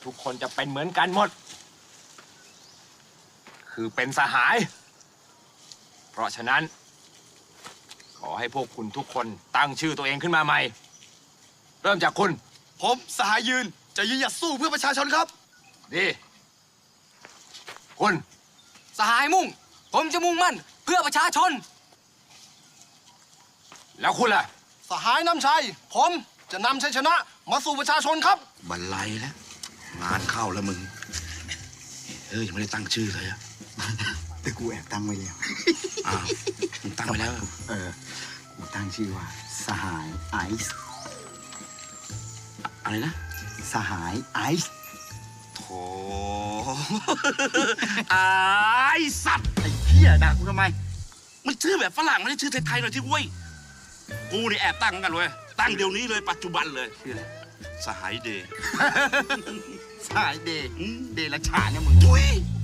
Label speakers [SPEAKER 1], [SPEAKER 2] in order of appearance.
[SPEAKER 1] ทุกคนจะเป็นเหมือนกันหมด คือเป็นสหาย เพราะฉะนั้น ขอให้พวกคุณทุกคนตั้งชื่อตัวเองขึ้นมาใหม่ เริ่มจากคุณ
[SPEAKER 2] ผมสหายยืนจะยืนหยัดสู้เพื่อประชาชนครับ
[SPEAKER 1] ดีคุณ
[SPEAKER 3] สหายมุ่ง ผมจะมุ่งมั่นเพื่อประชาชน
[SPEAKER 1] แล้วคุณล่ะ
[SPEAKER 2] สหายนำชัย ผมจะนำชัยชนะมาสู่ประชาชนครับ
[SPEAKER 4] บันไลแล้วงานเข้าแล้วมึงยังไม่ได้ตั้งชื่อเลยอะ
[SPEAKER 5] แต่กูแอบตั้งไว้แล้ว
[SPEAKER 4] อ้าวมึงตั้งไปแล้ว
[SPEAKER 5] กูตั้งชื่อว่า สหายไอซ์
[SPEAKER 4] อะไรนะ
[SPEAKER 5] สหายไอซ์
[SPEAKER 4] โถ ไอ้สัตว์ไอ้เหี้ยด่ากูทำไม มันชื่อแบบฝรั่งไม่ใช่ชื่อไทยๆหน่อยที่เว้ย กูนี่แอบตั้งเหมือนกันเว้ย ตั้งเดี๋ยวนี้เลยปัจจุบันเลย
[SPEAKER 5] ชื่ออะไร
[SPEAKER 4] สหายเดย์
[SPEAKER 5] สหายเดย์เดย์ละฉานเนี่ยมึง
[SPEAKER 4] ทุย